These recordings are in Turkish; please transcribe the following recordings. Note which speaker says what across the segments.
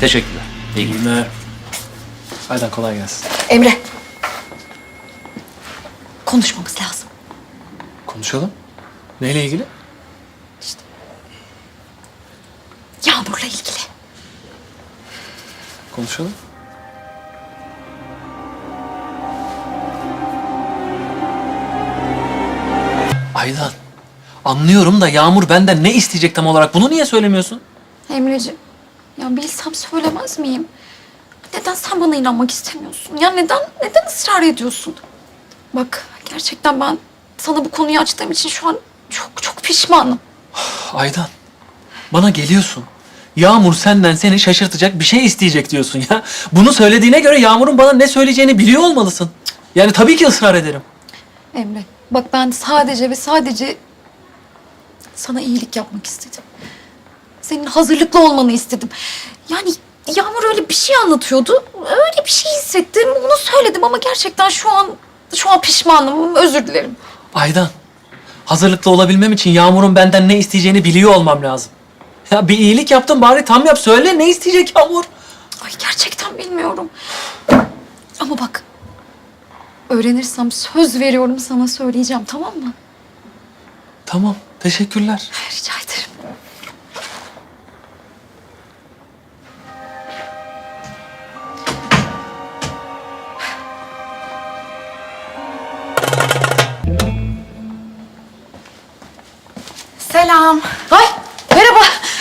Speaker 1: Teşekkürler. İyi günler.
Speaker 2: günler. Aydan kolay gelsin.
Speaker 3: Emre. Konuşmamız lazım.
Speaker 2: Konuşalım. Neyle ilgili?
Speaker 3: Yağmur'la ilgili.
Speaker 2: Konuşalım.
Speaker 1: Aydan, anlıyorum da Yağmur benden ne isteyecek tam olarak? Bunu niye söylemiyorsun?
Speaker 3: Emreciğim, ya bilsem söylemez miyim? Neden sen bana inanmak istemiyorsun? Ya neden ısrar ediyorsun? Bak, gerçekten ben sana bu konuyu açtığım için şu an çok pişmanım.
Speaker 1: Aydan, bana geliyorsun. Yağmur senden seni şaşırtacak bir şey isteyecek diyorsun ya. Bunu söylediğine göre Yağmur'un bana ne söyleyeceğini biliyor olmalısın. Yani tabii ki ısrar ederim.
Speaker 3: Emre, bak ben sadece ve sadece sana iyilik yapmak istedim. Senin hazırlıklı olmanı istedim. Yani Yağmur öyle bir şey anlatıyordu. Öyle bir şey hissettim. Onu söyledim ama gerçekten şu an pişmanım. Özür dilerim.
Speaker 1: Aydan, hazırlıklı olabilmem için Yağmur'un benden ne isteyeceğini biliyor olmam lazım. Ya bir iyilik yaptım, bari tam yap. Söyle, ne isteyecek Yağmur?
Speaker 3: Ay gerçekten bilmiyorum. Ama bak, öğrenirsem söz veriyorum sana söyleyeceğim, tamam mı?
Speaker 1: Tamam, teşekkürler.
Speaker 3: Rica ederim.
Speaker 4: Selam.
Speaker 3: Ay merhaba.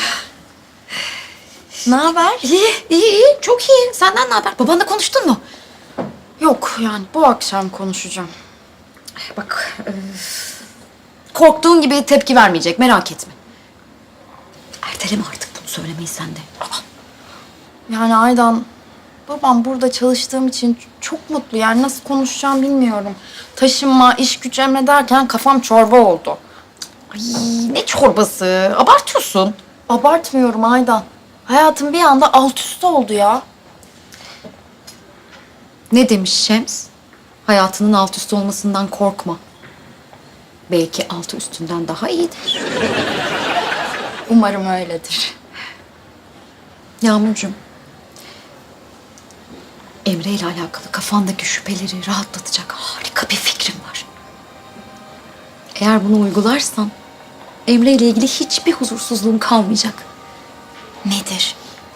Speaker 4: Ne haber?
Speaker 3: İyi, çok iyi. Senden ne haber? Babanla konuştun mu?
Speaker 4: Yok yani bu akşam konuşacağım.
Speaker 3: Bak, korktuğun gibi tepki vermeyecek, merak etme. Erteleme artık bunu söylemeyi sen de.
Speaker 4: Yani Aydan, babam burada çalıştığım için çok mutlu. Yani nasıl konuşacağım bilmiyorum. Taşınma, iş güç emrederken kafam çorba oldu.
Speaker 3: Ay ne çorbası, abartıyorsun.
Speaker 4: Abartmıyorum Aydan. Hayatım bir anda alt üst oldu ya.
Speaker 3: Ne demiş Şems? Hayatının alt üst olmasından korkma. Belki altı üstünden daha iyidir.
Speaker 4: Umarım öyledir.
Speaker 3: Yağmurcuğum, Emre ile alakalı kafandaki şüpheleri rahatlatacak harika bir fikrim var. Eğer bunu uygularsan Emre ile ilgili hiçbir huzursuzluğun kalmayacak.
Speaker 4: Nedir?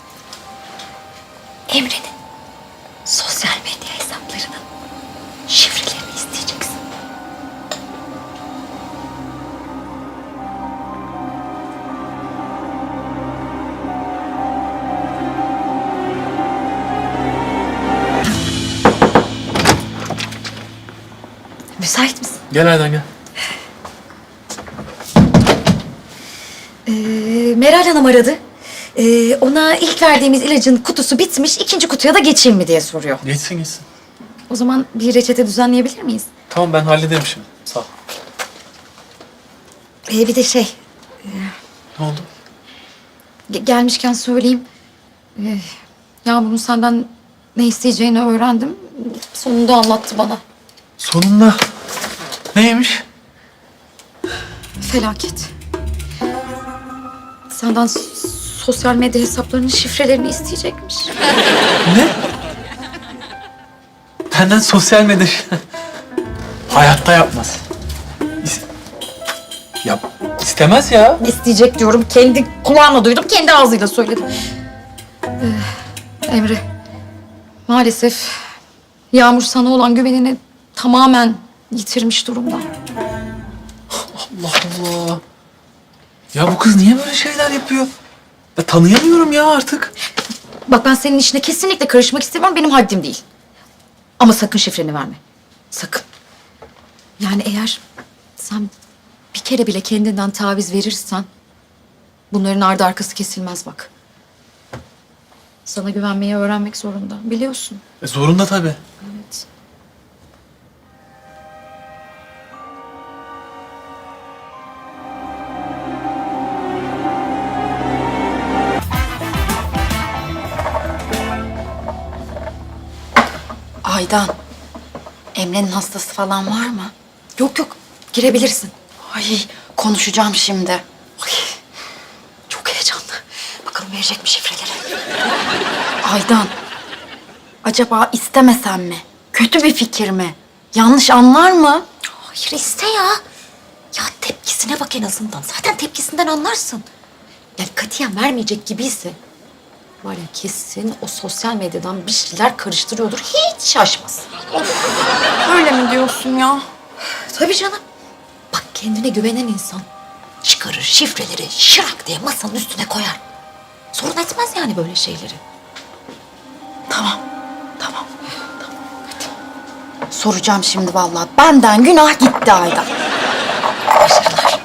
Speaker 3: Emre'nin sosyal medya hesaplarının şifrelerini isteyeceksin. Müsait misin?
Speaker 2: Gel Aydan gel.
Speaker 3: Meral Hanım aradı. Ona ilk verdiğimiz ilacın kutusu bitmiş, ikinci kutuya da geçeyim mi diye soruyor.
Speaker 2: Geçsin gitsin.
Speaker 3: O zaman bir reçete düzenleyebilir miyiz?
Speaker 2: Tamam ben hallederim şimdi. Sağ ol.
Speaker 3: Bir de şey,
Speaker 2: Ne oldu?
Speaker 3: gelmişken söyleyeyim. Yağmur'un senden ne isteyeceğini öğrendim. Sonunda anlattı bana.
Speaker 1: Sonunda. Neymiş?
Speaker 3: Felaket. Senden sosyal medya hesaplarının şifrelerini isteyecekmiş.
Speaker 1: Ne? Benden sosyal medya... Hayatta yapmaz. Ya istemez ya.
Speaker 3: İsteyecek diyorum. Kendi kulağımla duydum, kendi ağzıyla söyledim. Emre, maalesef Yağmur sana olan güvenini tamamen yitirmiş durumda.
Speaker 1: Allah Allah. Ya bu kız niye böyle şeyler yapıyor? Ya tanıyamıyorum ya artık.
Speaker 3: Bak ben senin işine kesinlikle karışmak istemiyorum. Benim haddim değil. Ama sakın şifreni verme. Sakın. Yani eğer sen bir kere bile kendinden taviz verirsen bunların ardı arkası kesilmez bak. Sana güvenmeyi öğrenmek zorunda. Biliyorsun.
Speaker 1: Zorunda tabii.
Speaker 3: Evet.
Speaker 4: Aydan, Emre'nin hastası falan var mı?
Speaker 3: Yok, girebilirsin.
Speaker 4: Ay konuşacağım şimdi.
Speaker 3: Ay, çok heyecanlı. Bakalım verecek mi şifreleri?
Speaker 4: Aydan, acaba istemesem mi? Kötü bir fikir mi? Yanlış anlar mı?
Speaker 3: Hayır iste ya. Ya tepkisine bak en azından. Zaten tepkisinden anlarsın. Yani katiyen vermeyecek gibiyse var ya kesin o sosyal medyadan bir şeyler karıştırıyordur. Hiç şaşmaz.
Speaker 4: Öyle mi diyorsun ya?
Speaker 3: Tabii canım. Bak kendine güvenen insan çıkarır şifreleri şırak diye masanın üstüne koyar. Sorun etmez yani böyle şeyleri.
Speaker 4: Tamam. Soracağım şimdi vallahi. Benden günah gitti Aydan.
Speaker 3: Başarılar.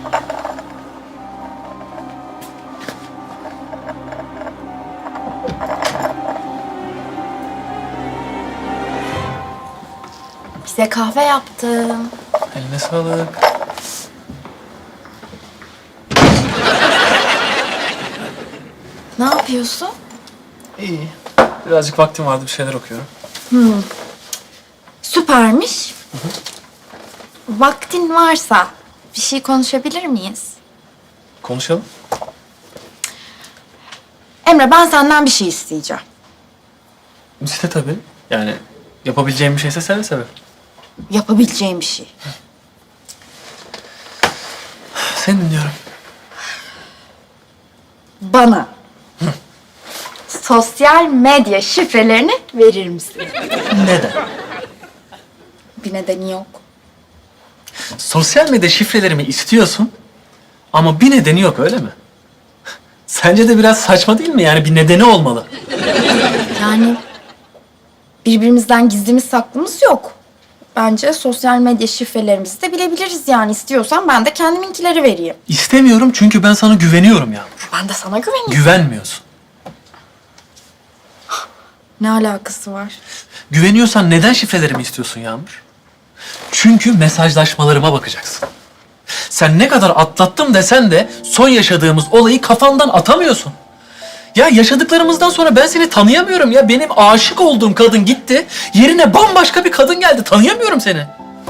Speaker 4: Bize kahve yaptım.
Speaker 2: Eline sağlık.
Speaker 4: Ne yapıyorsun?
Speaker 2: İyi. Birazcık vaktim vardı, bir şeyler okuyorum.
Speaker 4: Süpermiş. Vaktin varsa bir şey konuşabilir miyiz?
Speaker 2: Konuşalım.
Speaker 4: Emre, ben senden bir şey isteyeceğim.
Speaker 2: İşte tabii. Yani yapabileceğim bir şeyse seve seve.
Speaker 4: Yapabileceğim bir şey.
Speaker 2: Seni dinliyorum.
Speaker 4: Bana sosyal medya şifrelerini verir misin?
Speaker 2: Neden?
Speaker 4: Bir nedeni yok.
Speaker 2: Sosyal medya şifrelerimi istiyorsun ama bir nedeni yok, öyle mi? Sence de biraz saçma değil mi? Yani bir nedeni olmalı.
Speaker 4: Yani birbirimizden gizlimiz saklımız yok. Bence sosyal medya şifrelerimizi de bilebiliriz yani. İstiyorsan ben de kendiminkileri vereyim.
Speaker 2: İstemiyorum çünkü ben sana güveniyorum Yağmur.
Speaker 4: Ben de sana güveniyorum.
Speaker 2: Güvenmiyorsun.
Speaker 4: Ne alakası var?
Speaker 2: Güveniyorsan neden şifrelerimi istiyorsun Yağmur? Çünkü mesajlaşmalarıma bakacaksın. Sen ne kadar atlattım desen de son yaşadığımız olayı kafandan atamıyorsun. Ya yaşadıklarımızdan sonra ben seni tanıyamıyorum ya. Benim aşık olduğum kadın gitti. Yerine bambaşka bir kadın geldi. Tanıyamıyorum seni.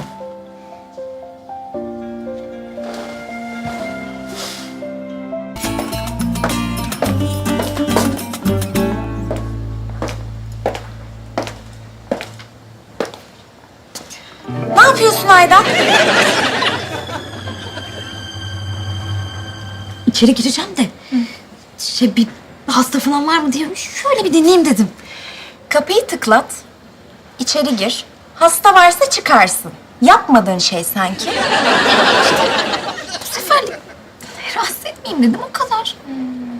Speaker 4: Ne yapıyorsun Aydan?
Speaker 3: İçeri gireceğim de bir hasta falan var mı diye şöyle bir dinleyeyim dedim.
Speaker 4: Kapıyı tıklat. İçeri gir. Hasta varsa çıkarsın. Yapmadığın şey sanki.
Speaker 3: Bu sefer rahatsız etmeyeyim dedim o kadar.